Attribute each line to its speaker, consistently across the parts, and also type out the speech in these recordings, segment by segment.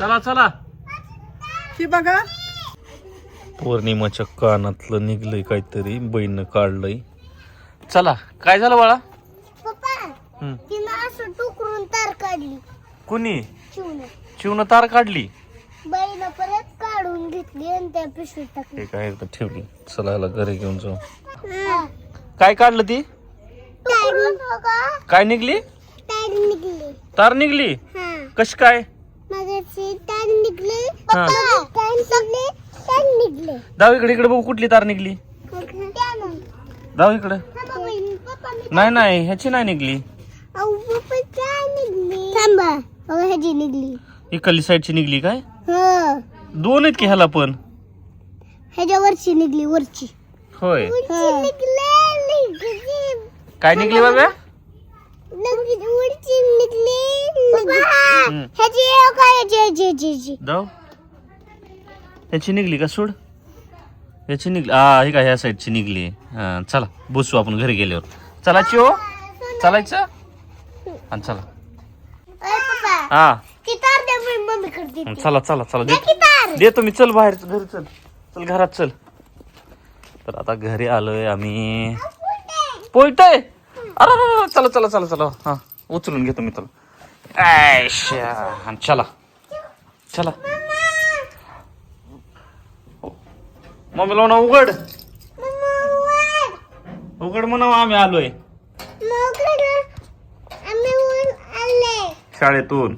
Speaker 1: चला चला.
Speaker 2: ही बघा
Speaker 1: पौर्णिमाच्या कानातलं निघलंय काहीतरी, बहीण काढलंय. चला काय झालं बाळा?
Speaker 3: पप्पा तिनं असं टुकरून तार काढली.
Speaker 1: कुणी?
Speaker 3: शिवनं.
Speaker 1: शिवनं तार काढली.
Speaker 3: बाईनं परत काढून घेतली आणि त्या पिशवीत टाकली.
Speaker 1: ते काय तर ठेवली. चला ह्याला घरी घेऊन जाऊ.
Speaker 3: हा.
Speaker 1: काय काढलं ती?
Speaker 3: टुकरून बघा.
Speaker 1: काय निघली?
Speaker 3: तार निघली.
Speaker 1: तार निघली.
Speaker 3: हा.
Speaker 1: कशी काय?
Speaker 3: मगाची तार निघली. पप्पा तार निघली. तार निघली.
Speaker 1: दाव इकडे, इकडे बघू कुठली तार निघली.
Speaker 3: त्यानं.
Speaker 1: दाव इकडे.
Speaker 3: पप्पा मी
Speaker 1: नाही नाही ह्याची नाही निघली.
Speaker 3: अहो पप्पा तार निघली. थांबा. बघा ह्याची निघली.
Speaker 1: इकडली साईडची निघली काय?
Speaker 3: हा.
Speaker 1: दोन आहेत की ह्याला पण?
Speaker 3: ह्याच्या वरची निघली वरची.
Speaker 1: होय.
Speaker 3: निघली.
Speaker 1: काय निघली बाबा?
Speaker 3: वरची निघली. ह्याची काय ह्याची
Speaker 1: दाव ह्याची निघली का? सोड. ह्याची निघली. हा हे काय ह्या साईडची निघली. हा चला बसू आपण घरी गेल्यावर. चला चिओ चालायचं आणि चला. हा
Speaker 3: ती तार द्या मी मम्मी करते.
Speaker 1: चला चला चला
Speaker 3: ती तार.
Speaker 1: देतो मी. चल बाहेर घरी चल. चल घरात चल. तर आता घरी आलोय आम्ही. पोयतय. अरे चला चला चला चला. हा उचलून घेतो मी तुला. आणि चला चला. मम्मी लावून उघड. उघड म्हणावं आम्ही आलोय शाळेतून.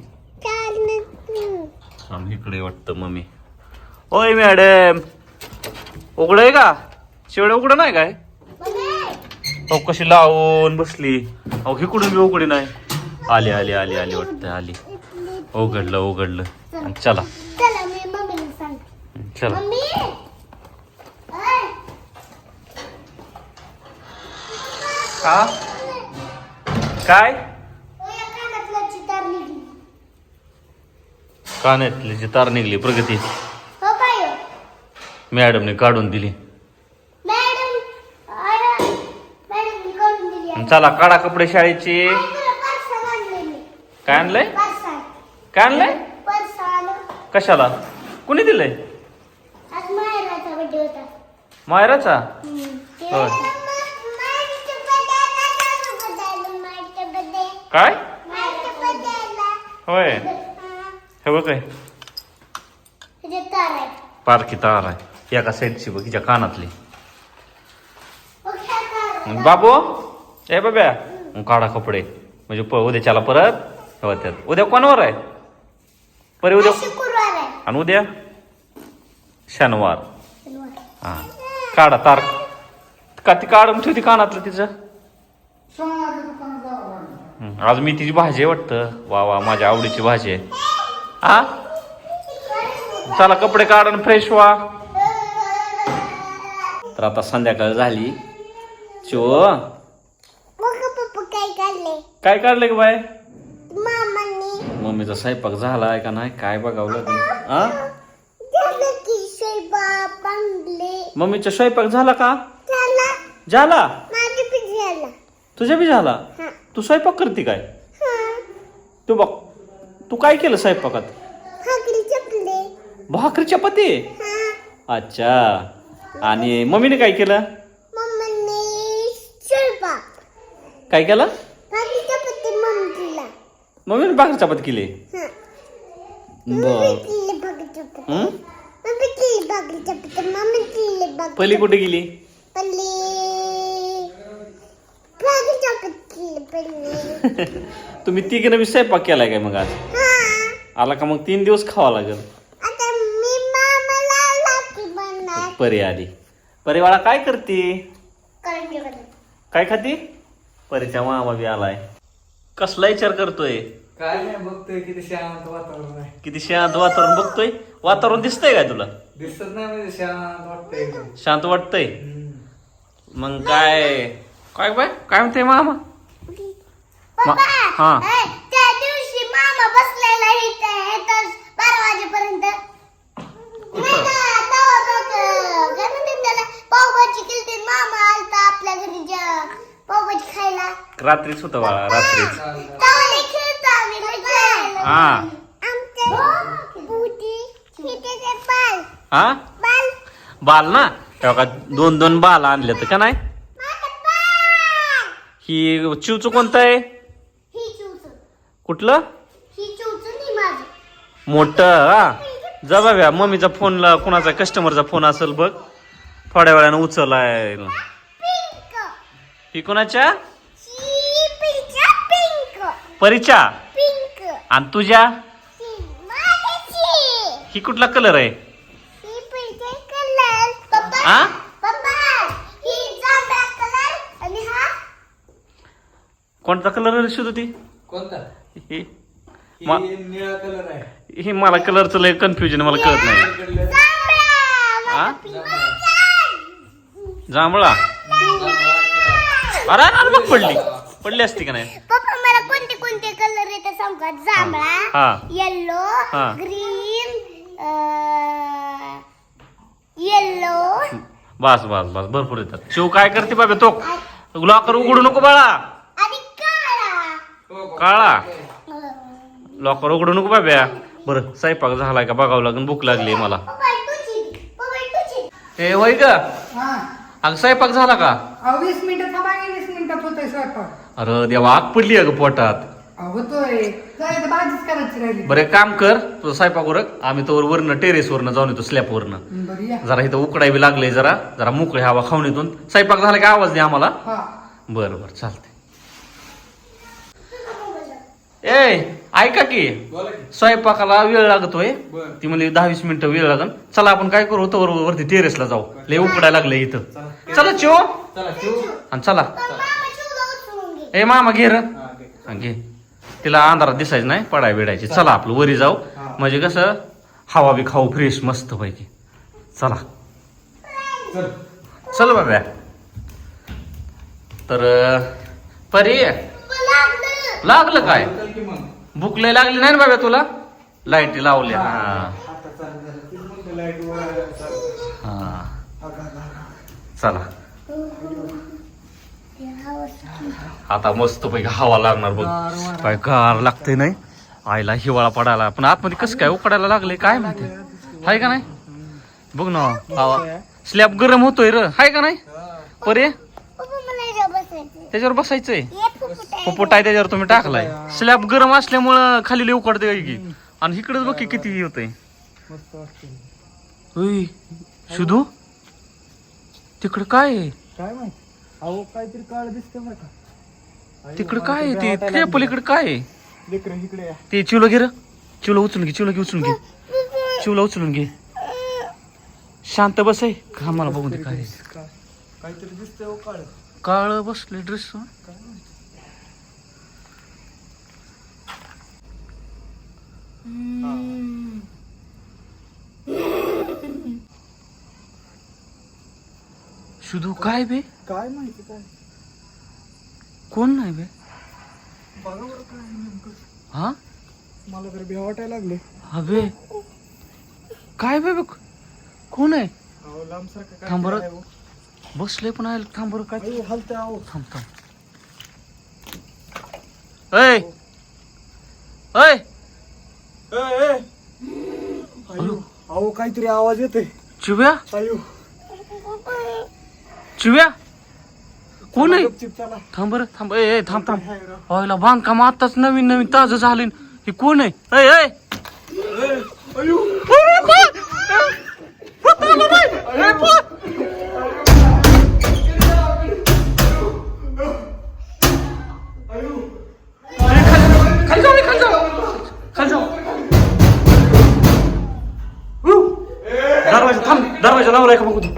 Speaker 1: आम्ही इकडे वाटतं मम्मी. ओय मॅडम उघड आहे का? शेवढे उघड नाही काय? हो कशी लावून बसली. अहो इकडून बी उघडी नाही. आली आली आली आली वाटतं आली. उघडलं उघडलं. आणि चला
Speaker 3: चला मी मम्मीला सांगते.
Speaker 1: चला.
Speaker 3: मम्मी
Speaker 1: हा काय? कानातली जी तार निघली प्रगती
Speaker 3: हो काय
Speaker 1: मॅडमने काढून दिली.
Speaker 3: मॅडम मॅडम काढून दिली.
Speaker 1: चला काढा कपडे शाळेचे. काय आणलंय? काय आणलंय? कशाला? कुणी दिलंय?
Speaker 3: आज मायराचा बर्थडे होता.
Speaker 1: मायराचा? होय. काय? होय. हे बघ काय पारखी तार आहे. एका साईडची बघ हिच्या कानातली. बाबू ए बाब्या काढा कपडे म्हणजे उद्याच्याला परत होत्यात. उद्या कोणावर आहे? परी उद्या आणि उद्या शनिवार. हा काढा तार. का ती काढून ठेवती कानातलं तिचं. आज मी तिची भाजी आहे वाटतं. वा वा माझ्या आवडीची भाजी आहे. हा चला कपडे काढून फ्रेश व्हा. तर आता संध्याकाळ झाली. चो
Speaker 3: काय काढले?
Speaker 1: काय काढले का बाय?
Speaker 3: मामांनी
Speaker 1: मम्मीचा स्वयंपाक झालाय का नाही काय बघावं लागेल. हा मम्मीचा स्वयंपाक झाला का? झाला. तुझ्या बी झाला. तू स्वयंपाक करते काय? तू बघ तू काय केलं स्वयंपाकात? भाकरी चपाती. अच्छा. आणि मम्मीने काय केलं? काय केलं? मम्मीने भाकरी चपाती केली. पहिली कुठे गेली? तुम्ही तिघीनं बी स्वयंपाक केलाय काय मग आज? आला का मग 3 दिवस खावा लागेल. परी आली. परी बाळा काय करते? काय खाती? परीचा मामा बी आलाय. कसला विचार करतोय?
Speaker 2: काय नाही बघतोय किती शांत वातावरण आहे.
Speaker 1: किती शांत वातावरण बघतोय. वातावरण दिसतंय काय तुला?
Speaker 2: दिसत नाही म्हणजे शांत वाटतंय.
Speaker 1: शांत वाटतंय. मग काय काय बाय काय म्हणते मामा? हा
Speaker 3: त्या दिवशी मामा बसलेला इथे 12 वाजेपर्यंत. पावभाजी केली. मामा आलता आपल्या घरी पावभाजी खायला.
Speaker 1: रात्रीच होतं बाळा रात्रीच.
Speaker 3: खेळतो आम्ही.
Speaker 1: हा
Speaker 3: आमच्या
Speaker 1: हा
Speaker 3: बाल
Speaker 1: बाल ना तेव्हा का 2 बाल आणले तर का नाही
Speaker 3: माझं बाल
Speaker 1: ही चिवचं कोणतं आहे
Speaker 3: ही चूचू
Speaker 1: कुठलं
Speaker 3: ही चूचू नाही माझी
Speaker 1: मोठं हा जा बाब्या मम्मीचा फोनला कुणाचा कस्टमरचा फोन असेल बघ थोड्या वेळानं उचलाय
Speaker 3: पिंक
Speaker 1: ही कोणाच्या
Speaker 3: ही पिंक
Speaker 1: परीच्या
Speaker 3: पिंक
Speaker 1: आणि तुझ्या
Speaker 3: ही माझी
Speaker 1: ही कुठला कलर आहे
Speaker 3: ही पिंक कलर पप्पा
Speaker 1: आ
Speaker 3: पप्पा ही जांभळा कलर आणि हा
Speaker 1: कोणता कलर शोध ती
Speaker 2: कोणता
Speaker 1: ही
Speaker 2: ही निळा कलर आहे
Speaker 1: ही मला कलरचं लय कन्फ्युजन मला कळत नाही
Speaker 2: इकडलं
Speaker 3: जांभळा
Speaker 1: आ?
Speaker 3: माझा
Speaker 1: जांभळा अरे अरे बघ पडली असती का नाही
Speaker 3: पप्पा मला कोणते कोणते कलर येतात सांगा जांभळा
Speaker 1: हा
Speaker 3: येलो
Speaker 1: हा.
Speaker 3: ग्रीन येलो
Speaker 1: बस बस बस भरपूर येतात शिव काय करते बाबा तो लॉकर उघडू नको बाळा
Speaker 3: आणि काळा
Speaker 1: काळा लॉकर उघडू नको बाब्या बरं स्वयंपाक झालाय का बघावं लागेल भूक लागली मला
Speaker 3: पप्पा तुझी
Speaker 1: ए वय का
Speaker 2: हा
Speaker 1: अगं स्वयंपाक झाला का
Speaker 2: 20 मिनिटं थांबा की 20 मिनिटात होतोय स्वयंपाक
Speaker 1: अरे देवा आग पडली अगं पोटात
Speaker 2: होतोय काय तर भाजीच करायची राहिली
Speaker 1: बरं एक काम कर तुझं स्वयंपाक उरक आम्ही तर वरनं टेरेसवरनं जाऊन येतो स्लॅपवरनं
Speaker 2: बरं या
Speaker 1: जरा इथं उकडावी लागले जरा मोकळी हवा खाऊन येतो स्वयंपाक झाला की आवाज दे आम्हाला
Speaker 2: हा
Speaker 1: बरं बरं चालते ए ऐका की
Speaker 2: बोला की
Speaker 1: स्वयंपाकाला वेळ लागतोय
Speaker 2: बरं.
Speaker 1: ती म्हणजे 10-20 मिनिटं वेळ लागन चला आपण काय करू तर वरती टेरेसला जाऊ लय उकडायला लागले इथं चला चिओ
Speaker 2: चला ठेवू
Speaker 1: आणि चला
Speaker 3: मामा चिवला उचलून घे
Speaker 1: ए मामा घे र
Speaker 2: हा घे.
Speaker 1: हा, घे तिला अंधारात दिसायचं नाही पडाय बिडायची चला आपलं वरी जाऊ
Speaker 2: हा.
Speaker 1: म्हणजे कसं हवा बी खाऊ फ्रेश मस्त पैकी चला
Speaker 2: चल
Speaker 1: चल बाब्या तर परी
Speaker 3: लागलं
Speaker 1: लागलं काय
Speaker 2: चल की मग
Speaker 1: भूक लय लागली नाही ना बाबा तुला लाईटी लावल्या हा
Speaker 2: आता चालू झालं तीच म्हणतो लाईट वर चालू.
Speaker 1: हा चला
Speaker 3: हा
Speaker 1: आता मस्त पैकी हवा लागणार बघ
Speaker 2: गार वारा.
Speaker 1: काय गार लागते नाही आईला हिवाळा पडायला पण आतमध्ये कसं काय उकडायला लागले काय माहिती हाय का नाही बघ ना हवा स्लॅब गरम होतोय र हाय का नाही परे
Speaker 3: पप्पा मला इथं बसायचं
Speaker 1: त्याच्यावर बसायचंय
Speaker 3: ये फुफुटा
Speaker 1: पोपट आहे त्याच्यावर तुम्ही टाकलाय स्लॅब गरम असल्यामुळं खाली लय उकडते की आणि इकडेच बघ की किती होतंय
Speaker 2: मस्त वाटतं
Speaker 1: होय शुधू तिकडं काय आहे
Speaker 2: काय माहिती अहो काहीतरी काळ दिसतं बरं का
Speaker 1: तिकडं काय आहे ते त्या पलीकडे काय आहे
Speaker 2: लेकरं इकडे या
Speaker 1: ते चिवलं घे र चिवलं उचलून घे उचलून घे चिवला उचलून घे शांत बस आहे का मला बघून दे काय आहे.
Speaker 2: काहीतरी दिसतंय हो काळ
Speaker 1: काळ बसले ड्रेस शुधू काय बे
Speaker 2: काय माहिती काय
Speaker 1: कोण नाही बे
Speaker 2: बघा बरं काय नेमकं
Speaker 1: हा
Speaker 2: मला तर भ्या वाटायला लागले
Speaker 1: अबे काय बे बघ कोण आहे
Speaker 2: अहो लांब सारखं काय
Speaker 1: थांब बरं.
Speaker 2: आहे हो.
Speaker 1: बसले पण आहे थांब बरं काय
Speaker 2: अहो, हलतंय अहो
Speaker 1: थांब थांब ऐ ऐ
Speaker 2: अयो अहो काहीतरी आवाज येते
Speaker 1: चिव्या
Speaker 2: अयो
Speaker 1: चिव्या कोण आहे
Speaker 2: गपचीप चला
Speaker 1: थांब बरं थांब ए थांब थांब
Speaker 2: हाय राव.
Speaker 1: व्हायला बांधकाम आताच नवीन ताजं झालं हे कोण आहे ऐ ऐ
Speaker 2: अयो
Speaker 1: खाली जाऊ खाली जाऊ दरवाजा थांब दरवाजा लावलाय का बघू तू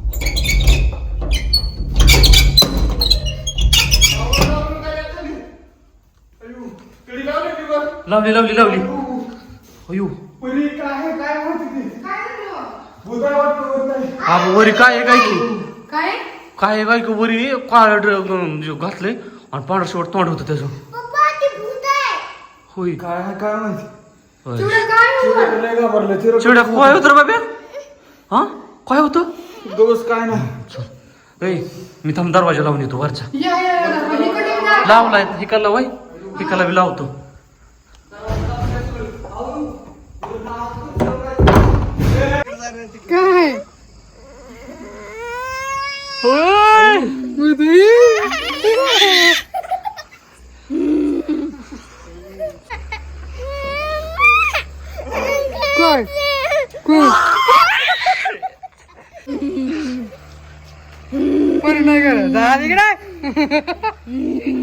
Speaker 1: लावली अयो
Speaker 2: पुरी काय माहिती ते भूताय वाटतं भूताय
Speaker 1: हा वरी काय आहे काय की
Speaker 2: काय
Speaker 1: काय आहे काय की वरी काळ घातलंय आणि पांढरं शेवट तोंड होतं त्याचं
Speaker 3: पप्पा ती भूत आहे
Speaker 1: होय
Speaker 2: काय माहिती
Speaker 1: होय.
Speaker 2: चिवडा लय घाबरलं
Speaker 1: चिवड्या काय होतं रे बाब्या हा काय होतं
Speaker 2: दोस्त काय नाही
Speaker 1: ए मी थांब दरवाजा लावून येतो वरचा लावलाय हिकाला वय हिकाला बी लावतो
Speaker 2: काय
Speaker 1: होय.
Speaker 2: काय नाही करत इकडे